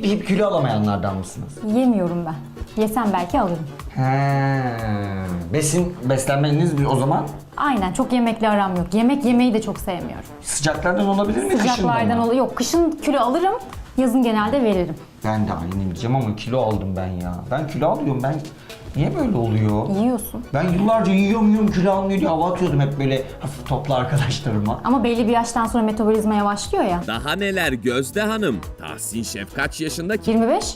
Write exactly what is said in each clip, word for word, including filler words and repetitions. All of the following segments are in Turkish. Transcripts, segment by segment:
yiyip kilo alamayanlardan mısınız? Yemiyorum ben. Yesem belki alırım. He. Besin, beslenmeniz o zaman Aynen, çok yemekle aram yok. Yemek yemeyi de çok sevmiyorum. sıcaklardan olabilir mi? Kışından Sıcaklardan mı? oluyor. Yok, kışın kilo alırım. Yazın genelde veririm. Ben de aynı diyeceğim ama kilo aldım ben ya. Ben kilo alıyorum ben. Niye böyle oluyor? Yiyorsun. Ben yıllarca yiyorum yiyorum kilo almıyor diye hava atıyordum hep böyle hafif toplu arkadaşlarıma. Ama belli bir yaştan sonra metabolizma yavaşlıyor ya. Daha neler Gözde Hanım? Tahsin Şef kaç yaşında ki? yirmi beş.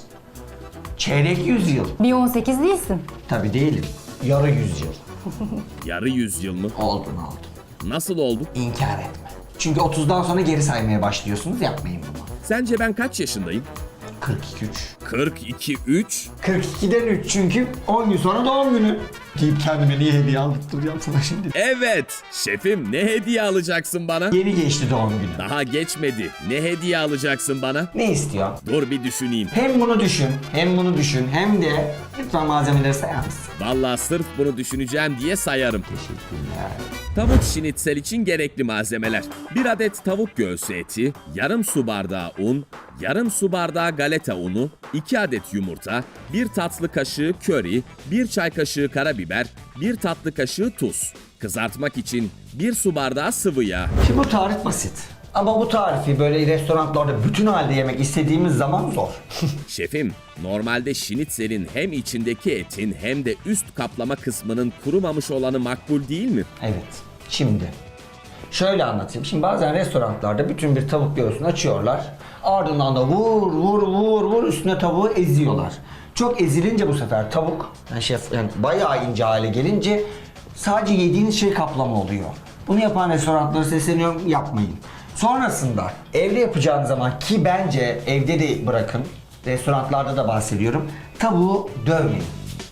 Çeyrek yüzyıl. Bir on sekiz değilsin. Tabii değilim. Yarı yüzyıl. Yarı yüzyıl mı? Oldun oldun. Nasıl oldu? İnkar etme. Çünkü otuzdan sonra geri saymaya başlıyorsunuz, yapmayın bunu. Sence ben kaç yaşındayım? kırk iki üç. kırk iki üç. kırk ikiden üç çünkü on gün sonra doğum günü. Deyip kendime niye hediye aldırtacağım sana şimdi. Evet. Şefim ne hediye alacaksın bana? Yeni geçti doğum günü. Daha geçmedi. Ne hediye alacaksın bana? Ne istiyor? Dur bir düşüneyim. Hem bunu düşün, hem bunu düşün, hem de lütfen malzemeleri sayar mısın? Vallahi sırf bunu düşüneceğim diye sayarım. Teşekkürler. Tavuk şinitsel için gerekli malzemeler. Bir adet tavuk göğsü eti, yarım su bardağı un, yarım su bardağı galeta unu, iki adet yumurta, bir tatlı kaşığı köri, bir çay kaşığı karabiber, bir tatlı kaşığı tuz. Kızartmak için bir su bardağı sıvı yağ. Şimdi bu tarif basit. Ama bu tarifi böyle restoranlarda bütün halde yemek istediğimiz zaman zor. Şefim, normalde şinitselin hem içindeki etin hem de üst kaplama kısmının kurumamış olanı makbul değil mi? Evet. Şimdi şöyle anlatayım. Şimdi bazen restoranlarda bütün bir tavuk göğsünü açıyorlar. Ardından da vur vur vur vur üstüne tavuğu eziyorlar. Çok ezilince bu sefer tavuk yani şef yani bayağı ince hale gelince sadece yediğiniz şey kaplama oluyor. Bunu yapan restoranlara sesleniyorum, yapmayın. Sonrasında evde yapacağınız zaman ki bence evde de bırakın. Restoranlarda da bahsediyorum. Tavuğu dövmeyin.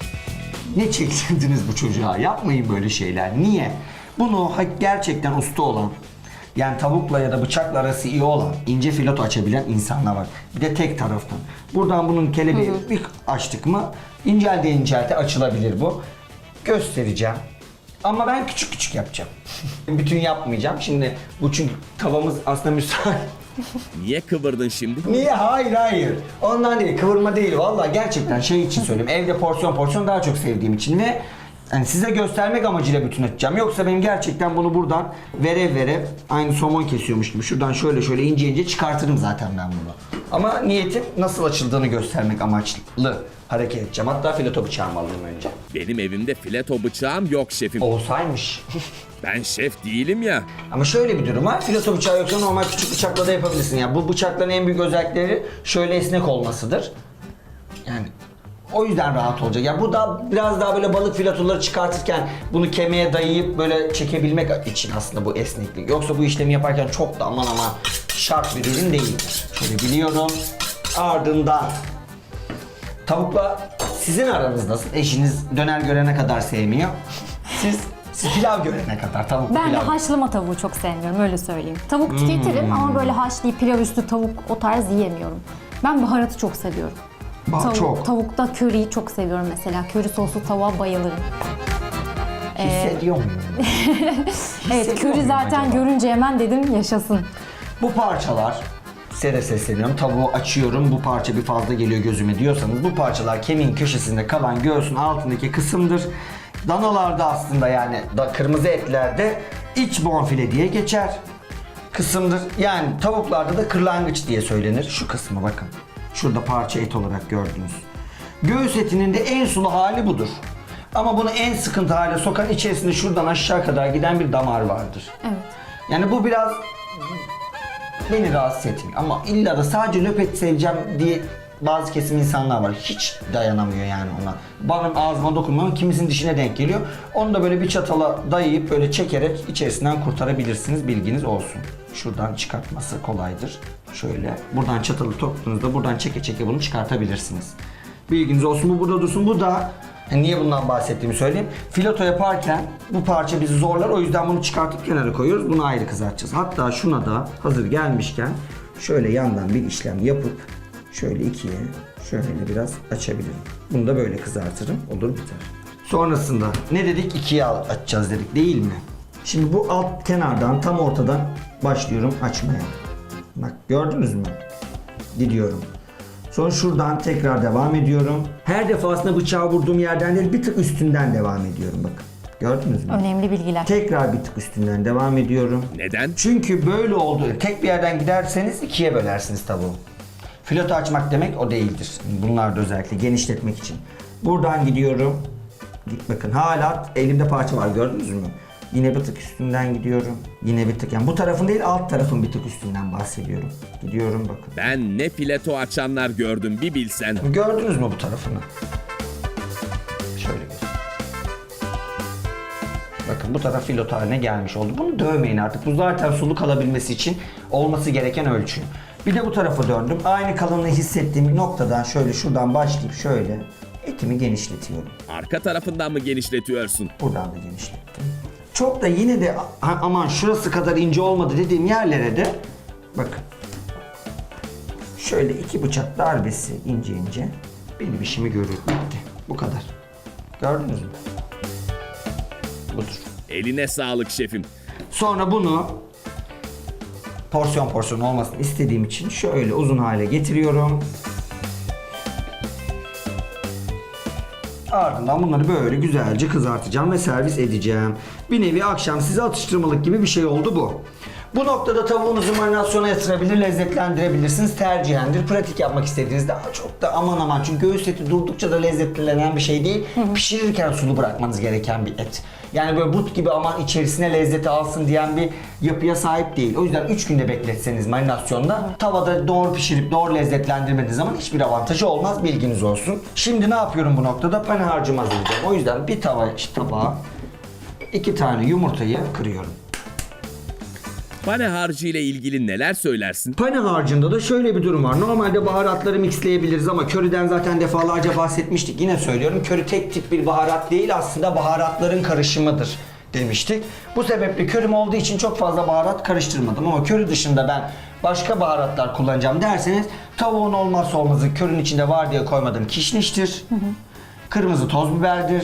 Ne çektirdiniz bu çocuğa? Yapmayın böyle şeyler. Niye? Bunu gerçekten usta olan, yani tavukla ya da bıçakla arası iyi olan, ince fileto açabilen insanlar var. Bir de tek taraftan. Buradan bunun kelebeği bir açtık mı incelte incelte açılabilir bu. Göstereceğim. Ama ben küçük küçük yapacağım. Bütün yapmayacağım. Şimdi bu çünkü tavamız aslında müsait. Niye kıvırdın şimdi? Niye? Hayır hayır. Ondan değil. Kıvırma değil. Vallahi gerçekten şey için söylüyorum. Evde porsiyon porsiyon daha çok sevdiğim için ve yani size göstermek amacıyla bütün açacağım. Yoksa benim gerçekten bunu buradan verev verev aynı somon kesiyormuş gibi şuradan şöyle şöyle ince ince çıkartırım zaten ben bunu. Ama niyetim nasıl açıldığını göstermek amaçlı hareket edeceğim. Hatta fileto bıçağımı alayım önce. Benim evimde fileto bıçağım yok şefim. Olsaymış. Ben şef değilim ya. Ama şöyle bir durum var. Fileto bıçağı yoksa normal küçük bıçakla da yapabilirsin. Yani bu bıçakların en büyük özellikleri şöyle esnek olmasıdır. Yani o yüzden rahat olacak. Yani bu da biraz daha böyle balık filetoları çıkartırken bunu kemiğe dayayıp böyle çekebilmek için aslında bu esneklik. Yoksa bu işlemi yaparken çok da aman aman şart bir ürün değildir. Şöyle biliyorum. Ardından tavukla sizin aranız nasıl? Eşiniz döner görene kadar sevmiyor. Siz Siz pilav görene kadar tavuk Ben de pilav. haşlama tavuğu çok sevmiyorum, öyle söyleyeyim. Tavuk tüketirim ama böyle haşlayıp pilav üstü tavuk o tarz yiyemiyorum. Ben baharatı çok seviyorum. Bah, Tavuk, çok. Tavukta köriyi çok seviyorum mesela. Köri soslu tavuğa bayılırım. Hissediyor muyum? Evet, Hissediyor köri muyum zaten acaba? görünce hemen dedim yaşasın. Bu parçalar, size de sesleniyorum, tavuğu açıyorum, bu parça bir fazla geliyor gözüme diyorsanız bu parçalar kemiğin köşesinde kalan göğsün altındaki kısımdır. Danalarda aslında yani da kırmızı etlerde iç bonfile diye geçer kısımdır. Yani tavuklarda da kırlangıç diye söylenir. Şu kısmı bakın. Şurada parça et olarak gördünüz. Göğüs etinin de en sulu hali budur. Ama bunu en sıkıntı hale sokan içerisinde şuradan aşağı kadar giden bir damar vardır. Evet. Yani bu biraz beni rahatsız etmiyor ama illa da sadece löpet seveceğim diye bazı kesim insanlar var. Hiç dayanamıyor yani ona. Benim ağzıma dokunmuyor, kimisinin dişine denk geliyor. Onu da böyle bir çatala dayayıp böyle çekerek içerisinden kurtarabilirsiniz. Bilginiz olsun. Şuradan çıkartması kolaydır. Şöyle buradan çatalı toktuğunuzda buradan çeke çeke bunu çıkartabilirsiniz. Bilginiz olsun, bu burada dursun. Bu da yani niye bundan bahsettiğimi söyleyeyim. Fileto yaparken bu parça bizi zorlar. O yüzden bunu çıkartıp kenara koyuyoruz. Bunu ayrı kızartacağız. Hatta şuna da hazır gelmişken şöyle yandan bir işlem yapıp şöyle ikiye şöyle biraz açabilirim. Bunu da böyle kızartırım. Olur biter. Sonrasında ne dedik? İkiye açacağız dedik değil mi? Şimdi bu alt kenardan tam ortadan başlıyorum açmaya. Bak gördünüz mü? Gidiyorum. Sonra şuradan tekrar devam ediyorum. Her defasında bıçağı vurduğum yerden değil, bir tık üstünden devam ediyorum bakın. Gördünüz mü? Önemli bilgiler. Tekrar bir tık üstünden devam ediyorum. Neden? Çünkü böyle oldu. Tek bir yerden giderseniz ikiye bölersiniz tavuğu. Fileto açmak demek o değildir. Bunlar da özellikle genişletmek için. Buradan gidiyorum. Bakın hala elimde parça var, gördünüz mü? Yine bir tık üstünden gidiyorum. Yine bir tık, yani bu tarafın değil alt tarafın bir tık üstünden bahsediyorum. Gidiyorum bakın. Ben ne fileto açanlar gördüm bir bilsen. Gördünüz mü bu tarafını? Şöyle bir. Bakın bu taraf fileto haline gelmiş oldu. Bunu dövmeyin artık. Bu zaten sulu kalabilmesi için olması gereken ölçü. Bir de bu tarafa döndüm. Aynı kalınlığı hissettiğim noktadan şöyle şuradan başlayıp şöyle etimi genişletiyorum. Arka tarafından mı genişletiyorsun? Buradan da genişlettim. Çok da yine de a- aman şurası kadar ince olmadı dediğim yerlere de bakın. Şöyle iki bıçak darbesi ince ince benim işimi görür. Bitti. Bu kadar. Gördünüz mü? Budur. Eline sağlık şefim. Sonra bunu porsiyon porsiyon olmasını istediğim için şöyle uzun hale getiriyorum. Ardından bunları böyle güzelce kızartacağım ve servis edeceğim. Bir nevi akşam size atıştırmalık gibi bir şey oldu bu. Bu noktada tavuğunuzu marinasyona yatırabilir, lezzetlendirebilirsiniz. Tercihendir. Pratik yapmak istediğinizde çok da aman aman. Çünkü göğüs eti durdukça da lezzetlenen bir şey değil. Hı hı. Pişirirken sulu bırakmanız gereken bir et. Yani böyle but gibi aman içerisine lezzeti alsın diyen bir yapıya sahip değil. O yüzden üç günde bekletseniz marinasyonda tavada doğru pişirip doğru lezzetlendirmediğiniz zaman hiçbir avantajı olmaz, bilginiz olsun. Şimdi ne yapıyorum bu noktada? Pane harcımı hazırlayacağım. O yüzden bir tava tabağa iki tane yumurtayı kırıyorum. Pane harcı ile ilgili neler söylersin? Pane harcında da şöyle bir durum var. Normalde baharatları mixleyebiliriz ama köriden zaten defalarca bahsetmiştik. Yine söylüyorum, köri tek tip bir baharat değil, aslında baharatların karışımıdır demiştik. Bu sebeple körim olduğu için çok fazla baharat karıştırmadım ama köri dışında ben başka baharatlar kullanacağım derseniz tavuğun olmazsa olmazı körün içinde var diye koymadığım kişniştir. Hı hı. Kırmızı toz biberdir.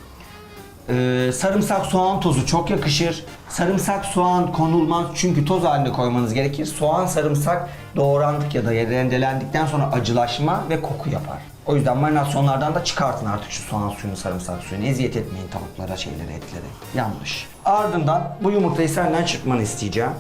Ee, sarımsak, soğan tozu çok yakışır. Sarımsak, soğan konulmaz çünkü toz halinde koymanız gerekir. Soğan, sarımsak doğrandık ya da rendelendikten sonra acılaşma ve koku yapar. O yüzden marinasyonlardan da çıkartın artık şu soğan suyunu, sarımsak suyunu. Eziyet etmeyin tavuklara, şeylere, etlere. Yanlış. Ardından bu yumurtayı senden çırpmanı isteyeceğim.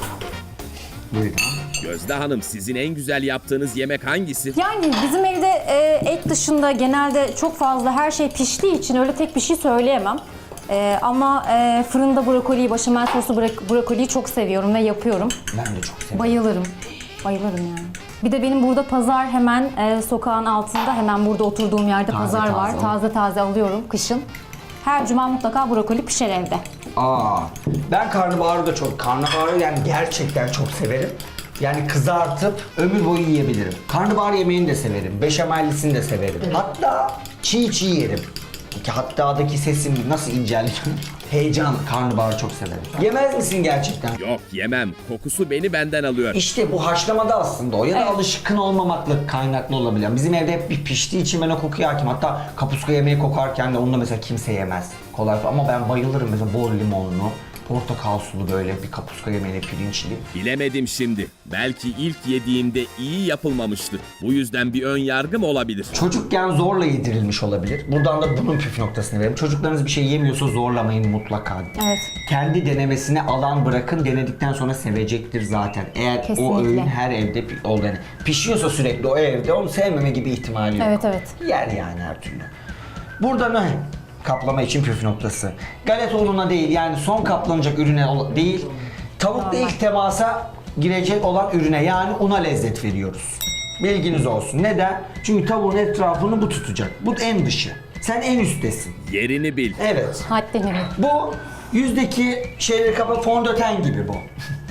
Buyurun. Gözde Hanım, sizin en güzel yaptığınız yemek hangisi? Yani bizim evde e, et dışında genelde çok fazla her şey piştiği için öyle tek bir şey söyleyemem. E, ama e, fırında brokoliyi, başamel soslu bro- brokoliyi çok seviyorum ve yapıyorum. Ben de çok seviyorum. Bayılırım. Bayılırım yani. Bir de benim burada pazar hemen e, sokağın altında, hemen burada oturduğum yerde Taze pazar taze var. o. Taze taze alıyorum kışın. Her cuma mutlaka brokoli pişer evde. Aa, ben karnabaharı da çok, karnabaharı yani gerçekten çok severim. Yani kızartıp ömür boyu yiyebilirim. Karnabahar yemeğini de severim. Beşamellisini de severim. Hatta çiğ çiğ yerim. Ki hatta'daki sesim nasıl inceldi. Heyecan, karnabaharı çok severim. Yemez misin gerçekten? Yok, yemem. Kokusu beni benden alıyor. İşte bu haşlamada aslında o ya da Evet. alışkın olmamakla kaynaklı olabilir. Bizim evde hep bir piştiği için ben o kokuya hakim. Hatta kapuska yemeği kokarken de onu da mesela kimse yemez. Kolay ama ben bayılırım mesela bol limonlu, portakal sulu böyle bir kapuska yemeğine pirinçli. Bilemedim şimdi. Belki ilk yediğimde iyi yapılmamıştı. Bu yüzden bir ön yargım olabilir. Çocukken zorla yedirilmiş olabilir. Buradan da bunun püf noktasını verelim. Çocuklarınız bir şey yemiyorsa zorlamayın mutlaka. Evet. Kendi denemesine alan bırakın. Denedikten sonra sevecektir zaten. Eğer o Kesinlikle. öğün her evde pi- ol yani pişiyorsa sürekli o evde onu sevmeme gibi ihtimali yok. Evet, evet. Yer yani her türlü. Burada ne? Kaplama için püf noktası. Galeta ununa değil, yani son kaplanacak ürüne ol- değil. Tavukla ilk temasa girecek olan ürüne, yani una lezzet veriyoruz. Bilginiz olsun. Neden? Çünkü tavuğun etrafını bu tutacak. Bu en dışı. Sen en üsttesin. Yerini bil. Evet. Haddini bil. Bu yüzdeki şeyleri kapa, fondöten gibi bu.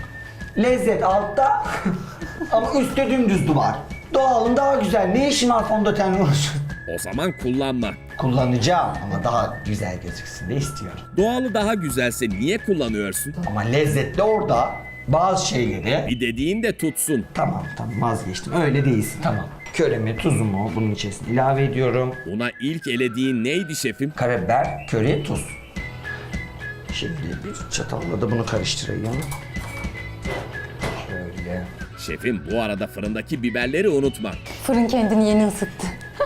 Lezzet altta ama üstte dümdüz duvar. Doğalın daha güzel. Ne işin var fondötenle uğraşıyorsun? O zaman kullanma. Kullanacağım ama daha güzel gözüksün de istiyorum. Doğalı daha güzelse niye kullanıyorsun? Ama lezzetli orada bazı şeyleri... Bir dediğin de tutsun. Tamam tamam vazgeçtim. Öyle değilsin. Tamam. Köremi, tuzumu bunun içerisine ilave ediyorum. Una ilk elediğin neydi şefim? Karabiber, köri, tuz. Şimdi bir çatalla da bunu karıştırayım. Şöyle. Şefim bu arada fırındaki biberleri unutma. Fırın kendini yeni ısıttı.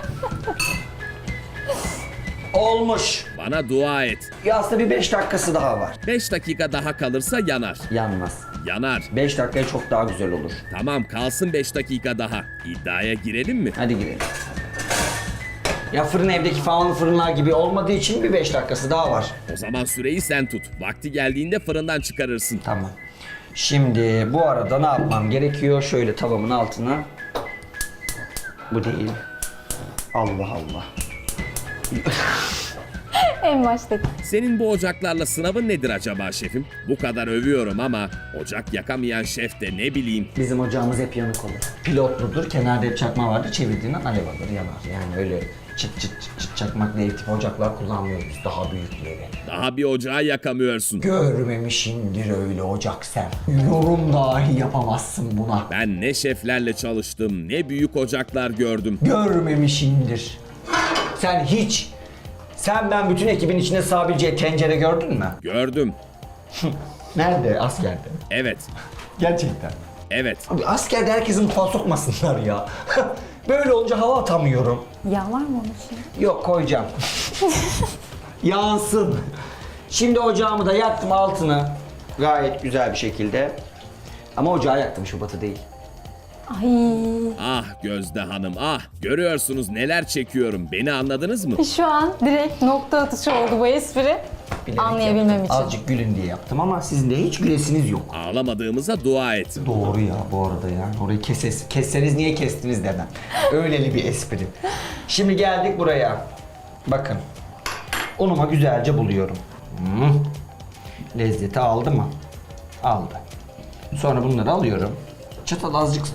Olmuş. Bana dua et. Ya aslında bir beş dakikası daha var. beş dakika daha kalırsa yanar. Yanmaz. Yanar. beş dakikaya çok daha güzel olur. Tamam kalsın beş dakika daha. İddiaya girelim mi? Hadi girelim. Ya fırın evdeki falanlı fırınlar gibi olmadığı için bir beş dakikası daha var. O zaman süreyi sen tut. Vakti geldiğinde fırından çıkarırsın. Tamam. Şimdi bu arada ne yapmam gerekiyor? Şöyle tavamın altına. Bu değil. Allah Allah. En baştaki. Senin bu ocaklarla sınavın nedir acaba şefim? Bu kadar övüyorum ama ocak yakamayan şef de ne bileyim. Bizim ocağımız hep yanık olur. Pilotludur. Kenarda hep çakma vardır. Çevirdiğinden alev alır, yanar. Yani öyle çıt çıt çıt çıt çakmakla ev tipi ocaklar kullanmıyoruz. Daha büyükleri. Daha bir ocağı yakamıyorsun. Görmemişindir öyle ocak sen. Yorum dahi yapamazsın buna. Ben ne şeflerle çalıştım, ne büyük ocaklar gördüm. Görmemişindir. Sen hiç, sen ben bütün ekibin içinde sığabileceği tencere gördün mü? Gördüm. Nerede? Askerde. Evet. Gerçekten. Evet. Abi askerde herkesin mutfağa sokmasınlar ya. Böyle olunca hava atamıyorum. Yağ var mı onun için? Yok, koyacağım. Yansın. Şimdi ocağımı da yaktım altını. Gayet güzel bir şekilde. Ama ocağı yaktım, şubatı değil. Ay. Ah Gözde Hanım ah. Görüyorsunuz neler çekiyorum. Beni anladınız mı? Şu an direkt nokta atışı oldu bu espri. Bilerek Anlayabilmem yaptım. için. Azıcık gülün diye yaptım ama sizin de hiç gülesiniz yok. Ağlamadığımıza dua et. Doğru ya bu arada yani. Orayı keses, kesseniz niye kestiniz demem. Öyleli bir espri. Şimdi geldik buraya. Bakın. Unuma güzelce buluyorum. Hmm. Lezzeti aldı mı? Aldı. Sonra bunları alıyorum. Çatal azıcık...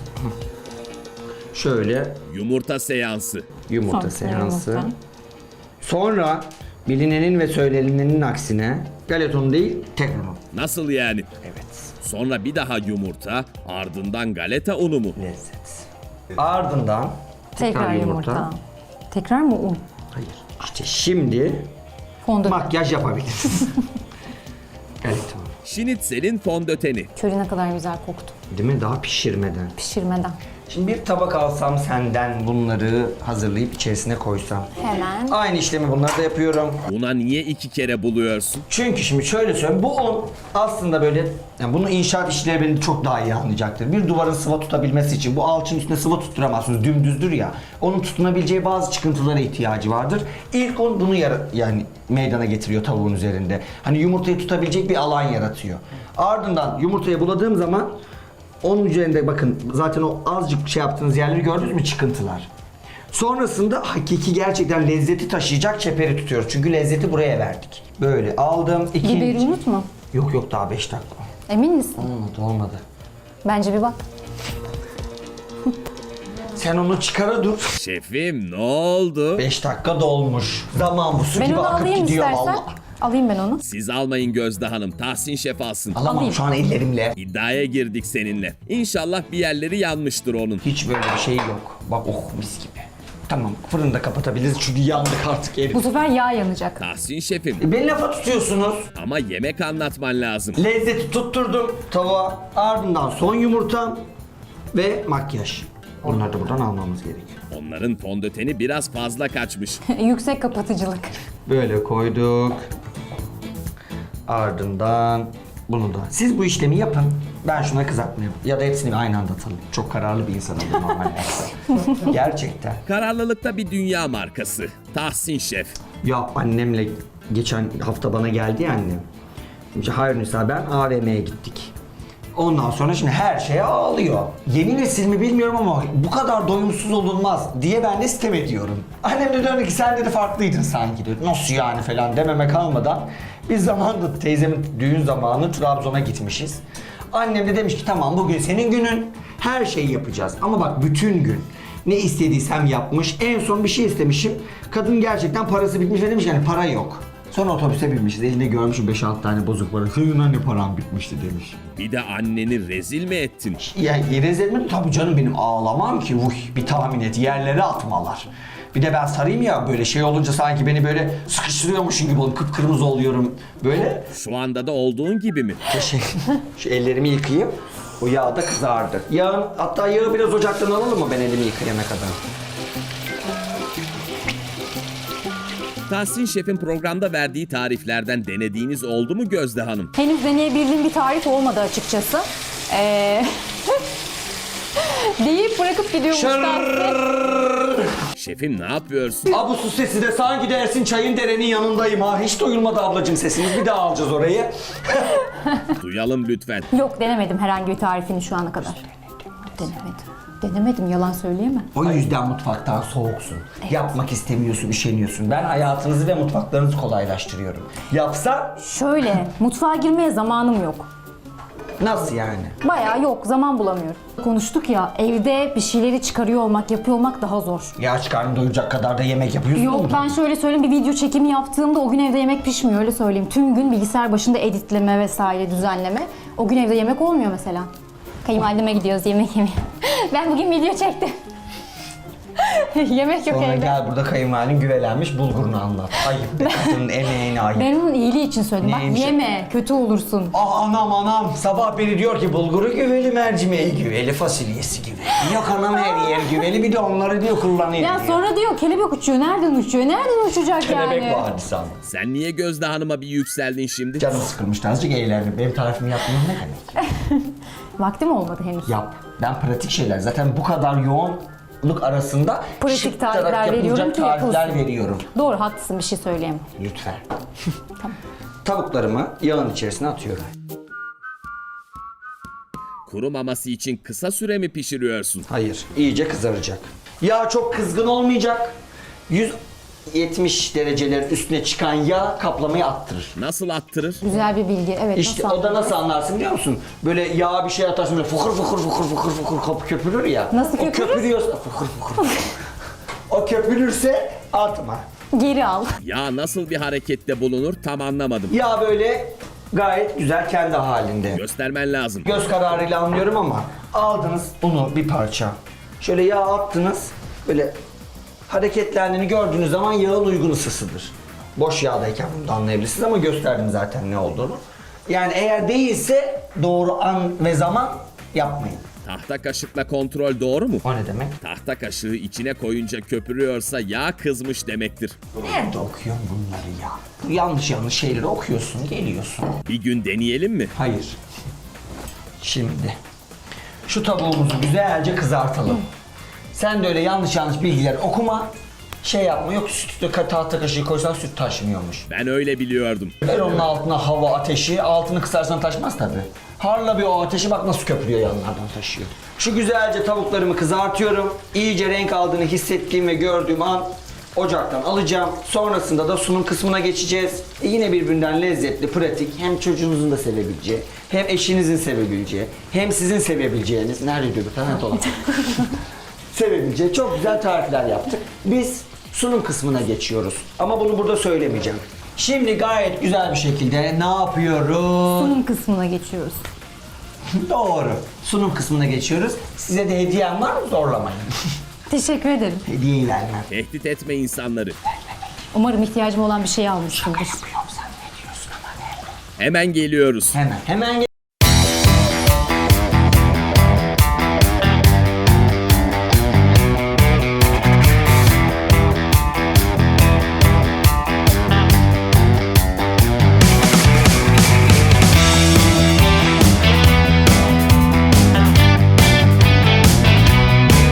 Şöyle Yumurta seansı. yumurta Sonra seansı. yumurta. Sonra bilinenin ve söylenenin aksine galeton değil tek unu. Nasıl yani? Evet. Sonra bir daha yumurta, ardından galeta unu mu? Lezzet. Ardından Tekrar yumurta. Tekrar mı un? Hayır. İşte şimdi Fondöten. makyaj yapabiliriz. Galeton. Şinitzel'in fondöteni. Köri ne kadar güzel koktu. Değil mi? Daha pişirmeden. Pişirmeden. Şimdi bir tabak alsam senden bunları hazırlayıp içerisine koysam. Hemen. Aynı işlemi bunları da yapıyorum. Buna niye iki kere buluyorsun? Çünkü şimdi şöyle söyleyeyim, bu un aslında böyle, yani bunu inşaat işçileri beni çok daha iyi anlayacaktır. Bir duvarın sıva tutabilmesi için bu alçının üstüne sıva tutturamazsınız, dümdüzdür ya. Onun tutunabileceği bazı çıkıntılara ihtiyacı vardır. İlk un bunu yara- yani meydana getiriyor tavuğun üzerinde. Hani yumurtayı tutabilecek bir alan yaratıyor. Ardından yumurtayı buladığım zaman onun üzerinde bakın zaten o azıcık şey yaptığınız yerleri gördünüz mü, çıkıntılar. Sonrasında hakiki gerçekten lezzeti taşıyacak çeperi tutuyoruz. Çünkü lezzeti buraya verdik. Böyle aldım. ikinci... Biberi unutma. Yok yok daha beş dakika. Emin misin? Olmadı olmadı. Bence bir bak. Sen onu çıkara dur. Şefim ne oldu? beş dakika dolmuş. Zaman bu su Ben gibi onu akıp alayım gidiyor istersen. valla. Alayım ben onu. Siz almayın Gözde Hanım. Tahsin Şef alsın. Alamam Alayım. şu an ellerimle. İddiaya girdik seninle. İnşallah bir yerleri yanmıştır onun. Hiç böyle bir şey yok. Bak oh mis gibi. Tamam fırını da kapatabiliriz çünkü yandık artık herif. Bu sefer yağ yanacak. Tahsin Şefim E, beni lafa tutuyorsunuz. ama yemek anlatman lazım. Lezzeti tutturdum tavuğa. Ardından son yumurtam ve makyaj. Onları da buradan almamız gerekiyor. Onların fondöteni biraz fazla kaçmış. Yüksek kapatıcılık. Böyle koyduk. Ardından bunu da. Siz bu işlemi yapın. Ben şuna kızartma yapayım. Ya da hepsini aynı anda atalım. Çok kararlı bir insanım ben normalde. Gerçekten. Kararlılıkta bir dünya markası. Tahsin Şef. Ya annemle geçen hafta bana geldi ya annem. Şimdi hayır Nisa ben A V M'ye gittik. Ondan sonra şimdi her şeye ağlıyor. Yeni nesil mi bilmiyorum ama bu kadar doyumsuz olunmaz diye ben de sitem ediyorum. Annem de döndü ki sen dedi farklıydın sanki dedi. Nasıl yani falan dememe kalmadan biz zamanında teyzemin düğün zamanı Trabzon'a gitmişiz. Annem de demiş ki tamam bugün senin günün, her şeyi yapacağız ama bak bütün gün. Ne istediysem yapmış. En son bir şey istemişim. Kadın gerçekten parası bitmiş ve demiş yani para yok. Sonra otobüse binmişiz. Elinde görmüşüm beş altı tane bozuk para. Senin anne param bitmişti demiş. Bir de anneni rezil mi ettin? Ya rezil mi? Tabii canım benim ağlamam ki. Uy, bir tahmin et. Yerlere atmalar. Bir de ben sarayım ya böyle şey olunca sanki beni böyle sıkıştırıyormuşum gibi oluyorum. Kıpkırmızı oluyorum. Böyle. Şu anda da olduğun gibi mi? Şey, şu ellerimi yıkayayım. O yağ da kızardı. Yağın, hatta yağı biraz ocaktan alalım mı ben elimi yıkayana kadar? Tahsin Şef'in programda verdiği tariflerden denediğiniz oldu mu Gözde Hanım? Henüz deneyebildiğim bir tarif olmadı açıkçası. Ee... deyip bırakıp gidiyormuş Tahsin. Şefim ne yapıyorsun? Aa, bu su sesi de sanki dersin çayın derenin yanındayım ha. Hiç duyulmadı ablacığım sesiniz. Bir daha alacağız orayı. Duyalım lütfen. Yok, denemedim herhangi bir tarifini şu ana kadar. Denemedim. Denemedim, yalan söyleyemem. O yüzden mutfaktan soğuksun. Yapmak istemiyorsun, üşeniyorsun. Ben hayatınızı ve mutfaklarınızı kolaylaştırıyorum. Yapsa Şöyle, mutfağa girmeye zamanım yok. nasıl yani? Bayağı yok, zaman bulamıyorum. Konuştuk ya, evde bir şeyleri çıkarıyor olmak, yapıyor olmak daha zor. Ya aç karnını doyuracak kadar da yemek yapıyorsun. Yok, mu? ben şöyle söyleyeyim, bir video çekimi yaptığımda o gün evde yemek pişmiyor, öyle söyleyeyim. Tüm gün bilgisayar başında editleme vesaire, düzenleme. O gün evde yemek olmuyor mesela. Kayınvalideme gidiyoruz yemek yemeye. Ben bugün video çektim. Yemek yok Sonra evde. gel burada kayınvalidin güvelenmiş bulgurunu anlat. Ayıp be kadının emeğine ayıp. Ben onun iyiliği için söyledim. Neymiş? Bak yeme, kötü olursun. Ah anam anam sabah beni diyor ki bulguru güveli, mercimeği güveli, fasulyesi güveli. Yok anam her yer güveli, bir de onları diyor kullanıyor Ya diyor. sonra diyor kelebek uçuyor. Nereden uçuyor? Nereden uçacak Kelebek yani? vardı sandım. Sen niye Gözde Hanım'a bir yükseldin şimdi? Canım sıkılmıştı azıcık eğlendim. Benim tarifimi yapmam ne demek? Vaktim olmadı henüz. Yap. Ben pratik şeyler zaten bu kadar yoğunluk arasında Pratik şık tarifler olarak veriyorum yapılacak ki tarifler yapılsın. veriyorum. Doğru, haklısın, bir şey söyleyemem. Lütfen. Tavuklarımı yağın içerisine atıyorum. Kurumaması için kısa süre mi pişiriyorsun? Hayır, iyice kızaracak. Yağ çok kızgın olmayacak. yüz yetmiş derecelerin üstüne çıkan yağ kaplamayı attırır. Nasıl attırır? Güzel bir bilgi. Evet, İşte nasıl o da anladın? nasıl anlarsın biliyor musun? Böyle yağ bir şey atarsın böyle fokur fokur fokur fokur fokur kop köpürür ya. Nasıl O köpürür? köpürüyorsa fokur fokur. O köpürürse atma. Geri al. Ya nasıl bir harekette bulunur tam anlamadım. Yağ böyle gayet güzel kendi halinde. Göstermen lazım. Göz kararıyla anlıyorum ama aldınız bunu bir parça. Şöyle yağ attınız. Böyle hareketlendiğini gördüğünüz zaman yağın uygun ısısıdır. Boş yağdayken bunu da anlayabilirsiniz ama gösterdim zaten ne olduğunu. Yani eğer değilse doğru an ve zaman yapmayın. Tahta kaşıkla kontrol doğru mu? O ne demek? Tahta kaşığı içine koyunca köpürüyorsa yağ kızmış demektir. Nerede okuyorsun bunları ya? Yanlış yanlış şeyleri okuyorsun, geliyorsun. Bir gün deneyelim mi? Hayır. Şimdi şu tavuğumuzu güzelce kızartalım. Sen de öyle yanlış yanlış bilgiler okuma. Şey yapma, yok sütü tahta kaşığı koysan süt taşmıyormuş. Ben öyle biliyordum. Ver onun altına hava ateşi, altını kısarsan taşmaz tabi. Harla bir o ateşi, bak nasıl köpürüyor, yanlardan taşıyor. Şu güzelce tavuklarımı kızartıyorum. İyice renk aldığını hissettiğim ve gördüğüm an ocaktan alacağım. Sonrasında da sunum kısmına geçeceğiz. E yine birbirinden lezzetli, pratik, hem çocuğunuzun da sevebileceği, hem eşinizin sevebileceği, hem sizin sevebileceğiniz, nerede diyor bu tane olan? sevebileceği çok güzel tarifler yaptık. Biz sunum kısmına geçiyoruz. Ama bunu burada söylemeyeceğim. Şimdi gayet güzel bir şekilde ne yapıyoruz? Sunum kısmına geçiyoruz. Doğru. Sunum kısmına geçiyoruz. Size de hediyem var mı? Zorlamayın. Teşekkür ederim. Hediyeyi vermem. Tehdit etme insanları. Umarım ihtiyacım olan bir şey almışsındır. Yoksa ne diyorsun ama ne? Hemen geliyoruz. Hemen. Hemen